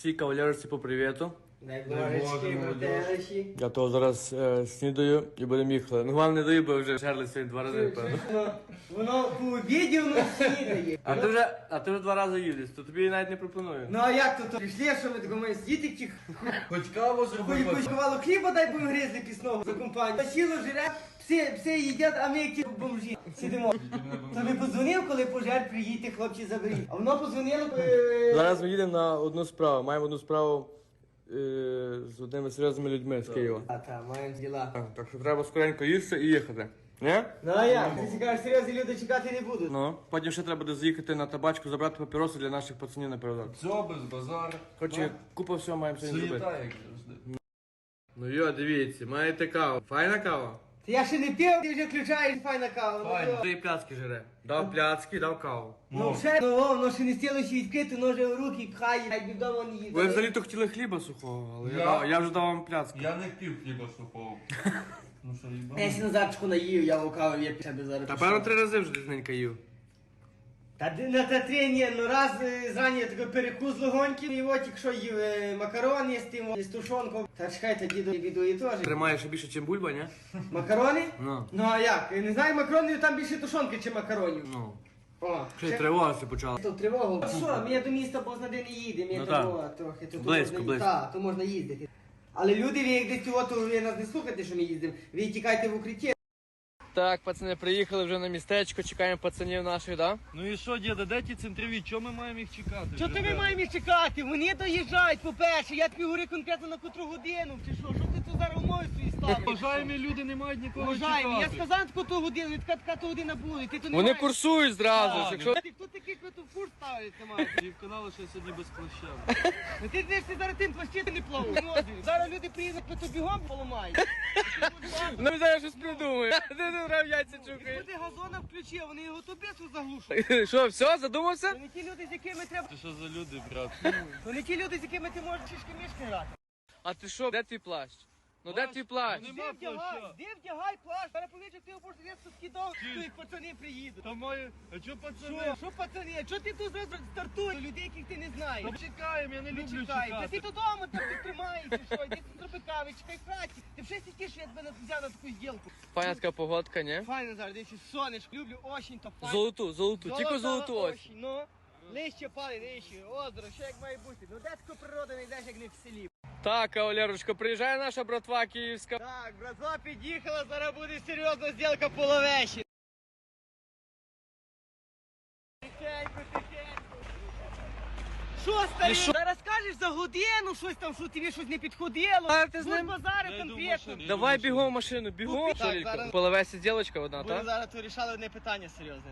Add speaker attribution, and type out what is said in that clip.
Speaker 1: всій кавалерці по привіту.
Speaker 2: Дай Божечки, брателищі.
Speaker 1: Я того зараз снідаю і будемо їхати. Ну, вам не даю, бо вже жерли сьогодні 2 рази, певно.
Speaker 2: Воно по обіді, воно снідає.
Speaker 1: А ти вже 2 рази їдеш, то тобі навіть не пропоную.
Speaker 2: Ну а як то? Прийшли, що ми такому сидіти ті?
Speaker 3: Хоч каву зроби.
Speaker 2: Хоч кувало хліба дай будемо гризли пісного за компанію. Сіло жире, всі їдять, а ми які бомжі. Сидимо. Тобі подзвонив, коли пожар, приїдьте, хлопці, заберіть. А воно подзвонило,
Speaker 1: Зараз ми їдемо на одну справу. Маємо одну справу з одними серйозними людьми з Києва.
Speaker 2: А та, маємо діла.
Speaker 1: Так що треба скоренько їсти і їхати. Ні?
Speaker 2: Ну а як? Ти кажеш, серйозні люди чекати не будуть.
Speaker 1: Ну, потім ще треба буде заїхати на табачку, забрати папіроси для наших пацанів на передок.
Speaker 3: Все, без базару.
Speaker 1: Короче, купа всього маємо сьогодні зробити.
Speaker 3: Суєта, як завжди.
Speaker 1: Ну йо, дивіться, маєте каву. Файна кава?
Speaker 2: Та я ще не пив, ти вже включаєш, файна кава. Ну,
Speaker 3: Файна.
Speaker 2: то.
Speaker 1: Ти пляцки жере. Дав пляцки, дав каву.
Speaker 2: Ну все, воно ще не стіло ще відкрити, ноже в руки пхає, навіть вдома не їде.
Speaker 1: Ви взагалі-то хотіли хліба сухого, але я вже дав вам пляцки.
Speaker 3: Я не хотів хліба сухого. Ну що, їбав?
Speaker 2: Я ще Назарчику наїв, я лукавив, я себе зараз.
Speaker 1: Та
Speaker 2: пішов.
Speaker 1: певно 3 рази вже десь їв.
Speaker 2: Та на театрі ні, ну раз зрані я такий перекус легонький, і от якщо їв макарони з тим, з тушонком. Та чекайте, діду відує теж.
Speaker 1: Тримає ще більше, ніж бульба, ні?
Speaker 2: Макарони?
Speaker 1: Ну.
Speaker 2: Ну а як? Не знаю, макаронів там більше тушонки, чи макаронів.
Speaker 1: Ну.
Speaker 2: О,
Speaker 1: Ще й тривога почала.
Speaker 2: Тут тривогу. А що, ми до міста Бозна де не їдемо, я
Speaker 1: Ну,
Speaker 2: того трохи. То
Speaker 1: Близько,
Speaker 2: можна,
Speaker 1: близько.
Speaker 2: Так, то можна їздити. Але люди, ви як десь от, ви нас не слухайте, що ми їздимо. Ви тікайте в укритті.
Speaker 1: Так, пацани, приїхали вже на містечко, чекаємо пацанів наших, да?
Speaker 3: Ну і що, діда, де ті центрові? Чого ми маємо їх чекати?
Speaker 2: Що ти ми маємо їх чекати? Вони доїжджають, по-перше, я тобі говорю конкретно на котру годину, чи що? Що ти тут зараз умови свої ставиш?
Speaker 3: Бажаємі люди не мають нікого
Speaker 2: Уважаємо, я
Speaker 3: чекати.
Speaker 2: сказав таку ту годину, така то година буде, ти то не
Speaker 1: Вони
Speaker 2: маєш.
Speaker 1: курсують зразу,
Speaker 3: Так,
Speaker 1: якщо...
Speaker 2: Ти хто такий, хто тут фур ставить, не має?
Speaker 3: І в каналу ще сьогодні без плаща.
Speaker 2: Ну ти знаєш, ти зараз тим плащити не плавав. Зараз люди приїдуть, то бігом поламають.
Speaker 1: Ну, зараз щось придумаю. Ти тут грав яйця чукаєш.
Speaker 2: Люди газона включив, вони його то бесу заглушують.
Speaker 1: Що, все, задумався?
Speaker 2: То не ті люди, з якими треба.
Speaker 3: Ти що за люди, брат?
Speaker 2: То не ті люди, з якими ти можеш шишки-мішки грати.
Speaker 1: А ти що, де твій плащ? Ну де твій плащ?
Speaker 3: Вони-
Speaker 2: Де
Speaker 3: Нема
Speaker 2: вдягай,
Speaker 3: плаща.
Speaker 2: де вдягай плащ. Зараз повічок ти обож різко скидав, то їх пацани приїдуть.
Speaker 3: Та має... А чого пацани?
Speaker 2: Що пацани, а чого ти тут зразу стартуєш? Людей, яких ти не знаєш.
Speaker 3: Та чекаємо, я не люблю
Speaker 2: Чекай, та ти
Speaker 3: чекати.
Speaker 2: додому там ти тримаєшся, що, йди тут зроби кави, чекай в хаті. Ти вже сидиш, що я тебе взяв на таку зділку.
Speaker 1: Файна така погодка, ні?
Speaker 2: Файно зараз, дивіться, сонечко, люблю осінь, то файно.
Speaker 1: Золоту, тільки золоту ось.
Speaker 2: осінь, ну. Лище пали, нижче, озеро, що як має бути. Ну де така природа не йдеш, як не в селі.
Speaker 1: Так, кавалерочка, приїжджає наша братва київська.
Speaker 2: Так, братва під'їхала, зараз буде серйозна зділка по Ловеші. Тихенько, тихенько. Що, старий? Зараз скажеш за годину щось там, що тобі щось не підходило.
Speaker 1: А ти з ним?
Speaker 2: базарив
Speaker 3: Я йду в
Speaker 2: конкретно.
Speaker 3: машину.
Speaker 1: Давай бігом в машину, бігом.
Speaker 2: Так,
Speaker 1: Що, Лілько?
Speaker 2: зараз-
Speaker 1: Половесі ділочка одна,
Speaker 2: Буде
Speaker 1: так?
Speaker 2: зараз то рішали одне питання серйозне.